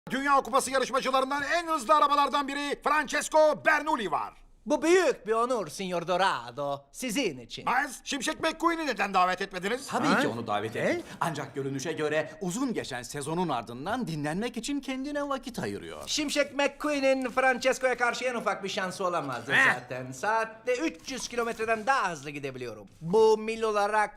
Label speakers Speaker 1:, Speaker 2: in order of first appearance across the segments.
Speaker 1: Dünya Kupası yarışmacılarından en hızlı arabalardan biri Francesco Bernoulli var.
Speaker 2: Bu büyük bir onur Signor Dorado. Sizin için.
Speaker 1: Miles, Şimşek McQueen'i neden davet etmediniz?
Speaker 3: Tabii ki onu davet ettik. Ancak görünüşe göre uzun geçen sezonun ardından dinlenmek için kendine vakit ayırıyor.
Speaker 2: Şimşek McQueen'in Francesco'ya karşı en ufak bir şansı olamazdı zaten. Saatte 300 kilometreden daha hızlı gidebiliyorum. Bu mil olarak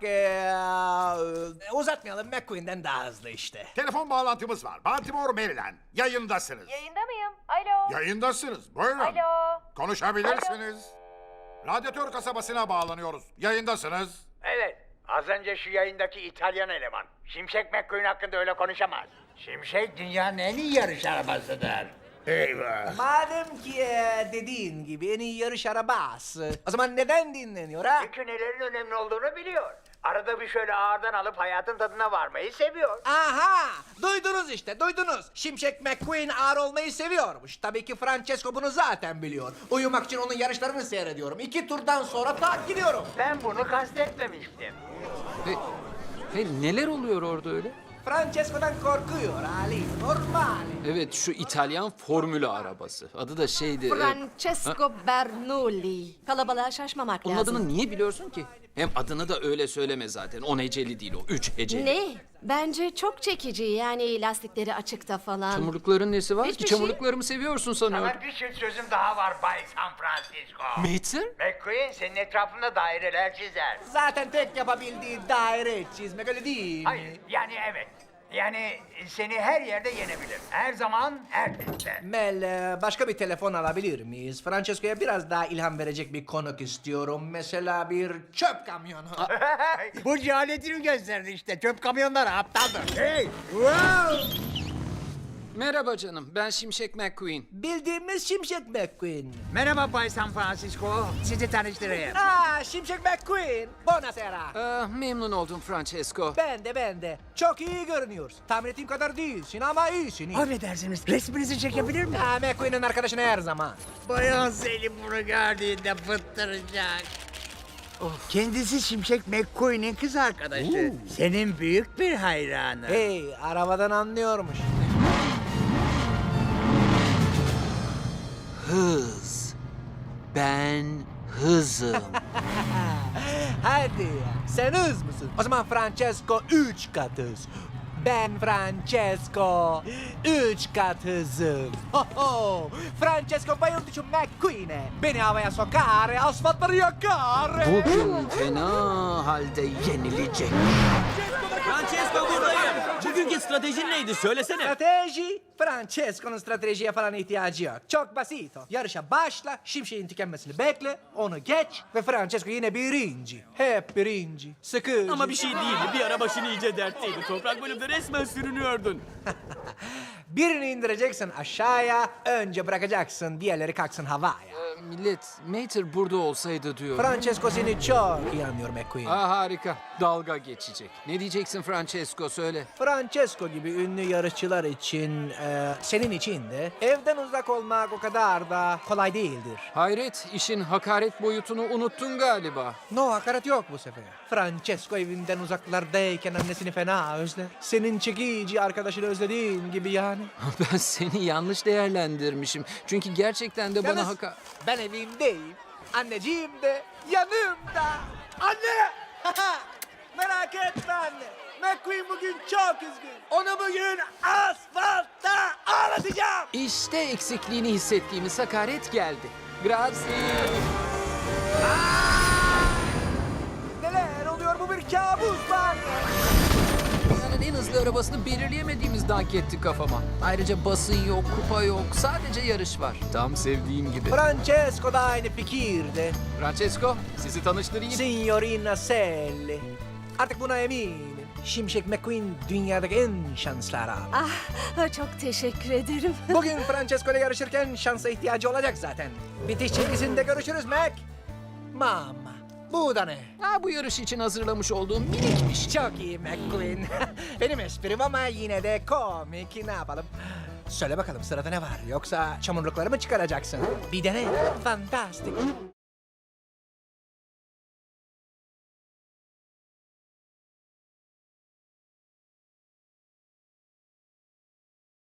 Speaker 2: uzatmayalım, McQueen'den daha hızlı işte.
Speaker 1: Telefon bağlantımız var. Baltimore, Maryland. Yayındasınız.
Speaker 4: Yayında mıyım? Alo.
Speaker 1: Yayındasınız. Buyurun.
Speaker 4: Alo.
Speaker 1: Konuşabilirsiniz. Radyatör kasabasına bağlanıyoruz. Yayındasınız.
Speaker 5: Evet, az önce şu yayındaki İtalyan eleman. Şimşek McQueen hakkında öyle konuşamaz. Şimşek dünyanın en iyi yarış arabasıdır. Eyvah.
Speaker 2: Madem ki dediğin gibi en iyi yarış arabası, o zaman neden dinleniyor ha?
Speaker 5: Çünkü nelerin önemli olduğunu biliyor. Arada bir şöyle ağırdan alıp hayatın tadına varmayı seviyor.
Speaker 2: Aha! Duydunuz işte, duydunuz. Şimşek McQueen ağır olmayı seviyormuş. Tabii ki Francesco bunu zaten biliyor. Uyumak için onun yarışlarını seyrediyorum. 2 turdan sonra tak gidiyorum.
Speaker 5: Ben bunu kastetmemiştim.
Speaker 6: Neler oluyor orada öyle?
Speaker 2: Francesco'dan korkuyor Ali, normal.
Speaker 6: Evet, şu İtalyan formülü arabası. Adı da şeydi...
Speaker 7: Francesco Bernoulli. Kalabalığa şaşmamak
Speaker 6: Onun
Speaker 7: lazım.
Speaker 6: adını niye biliyorsun ki? Hem adını da öyle söyleme zaten. 10 heceli değil o, 3 heceli.
Speaker 7: Ne? Bence çok çekici, yani lastikleri açıkta falan.
Speaker 6: Çamurlukların nesi var?
Speaker 7: Hiçbir şey.
Speaker 6: Çamurluklarımı seviyorsun sanıyorum.
Speaker 5: Sana bir çift sözüm daha var Bay San Francisco.
Speaker 6: Mater?
Speaker 5: McQueen senin etrafında daireler çizer.
Speaker 2: Zaten tek yapabildiği daire çizmek, öyle değil mi?
Speaker 5: Hayır, yani evet. Yani seni her yerde yenebilir. Her zaman, her pistte.
Speaker 2: Mel, başka bir telefon alabilir miyiz? Francesco'ya biraz daha ilham verecek bir konuk istiyorum. Mesela bir çöp kamyonu.
Speaker 5: Bu cehaletini gösterdi işte. Çöp kamyonları aptaldır. Hey! Wow!
Speaker 6: Merhaba canım, ben Şimşek McQueen.
Speaker 2: Bildiğimiz Şimşek McQueen.
Speaker 5: Merhaba Bay San Francisco. Sizi tanıştırayım.
Speaker 2: Şimşek McQueen. Buonasera.
Speaker 6: Memnun oldum Francesco.
Speaker 2: Ben de. Çok iyi görünüyorsun. Tahmin ettiğim kadar değilsin ama iyisin.
Speaker 5: Affedersiniz, resminizi çekebilir miyim?
Speaker 2: McQueen'in arkadaşını her zaman.
Speaker 5: Bayan Selim bunu gördüğünde fıttıracak. Kendisi Şimşek McQueen'in kız arkadaşı. Senin büyük bir hayranı.
Speaker 2: Hey, arabadan anlıyormuş.
Speaker 6: Hız. Ben hızım.
Speaker 2: Hadi ya, sen hız mısın? O zaman Francesco 3 kat hız. Ben Francesco 3 kat hızım. Ho ho! Francesco bayıldı şu McQueen'e. Beni havaya sokar, asfaltları yakar.
Speaker 6: Bugün fena halde yenilecek.
Speaker 8: Francesco buradayım. Bugünkü stratejin neydi? Söylesene.
Speaker 2: Strateji? Francesco'nun stratejiye falan ihtiyacı yok. Çok basit o. Yarışa başla, Şimşek'in tükenmesini bekle, onu geç ve Francesco yine birinci. Hep birinci. Sıkıcı.
Speaker 8: Ama bir şey değildi. Bir ara başın iyice dertteydi. Toprak bölümde resmen sürünüyordun.
Speaker 2: Birini indireceksin aşağıya, önce bırakacaksın, diğerleri kalksın havaya.
Speaker 6: Millet, Mater burada olsaydı diyor.
Speaker 2: Francesco seni çok iyi anlıyor McQueen.
Speaker 6: Harika. Dalga geçecek. Ne diyeceksin Francesco, söyle.
Speaker 2: Francesco gibi ünlü yarışçılar için, senin için de evden uzak olmak o kadar da kolay değildir.
Speaker 6: Hayret, işin hakaret boyutunu unuttun galiba.
Speaker 2: No, hakaret yok bu sefer. Francesco evinden uzaklardayken annesini fena özler. Senin çekici arkadaşını özlediğin gibi yani.
Speaker 6: Ben seni yanlış değerlendirmişim. Çünkü gerçekten de bana
Speaker 2: Yalnız ben evimdeyim. Anneciğim de yanımda. Anne! Merak etme anne. McQueen bugün çok üzgün. Onu bugün asfaltta ağlatacağım.
Speaker 6: İşte eksikliğini hissettiğimiz hakaret geldi. Grazie.
Speaker 2: Neler oluyor, bu bir kabus var.
Speaker 6: Dünyanın en hızlı arabasını belirleyemediğimiz dank etti kafama. Ayrıca basın yok, kupa yok, sadece yarış var. Tam sevdiğim gibi.
Speaker 2: Francesco da aynı fikirde.
Speaker 6: Francesco, sizi tanıştırayım.
Speaker 2: Signorina Selli. Artık buna eminim. Şimşek McQueen dünyadaki en şanslı araba.
Speaker 7: Ah, çok teşekkür ederim.
Speaker 2: Bugün Francesco ile yarışırken şansa ihtiyacı olacak zaten. Bitiş çizgisinde görüşürüz Mac. Mama, bu da ne?
Speaker 6: Bu yarış için hazırlamış olduğum minikmiş.
Speaker 2: Çok iyi McQueen. Benim esprim ama yine de komik. Ne yapalım? Söyle bakalım, sırada ne var? Yoksa çamurlukları mı çıkaracaksın? Bir dene. Fantastik.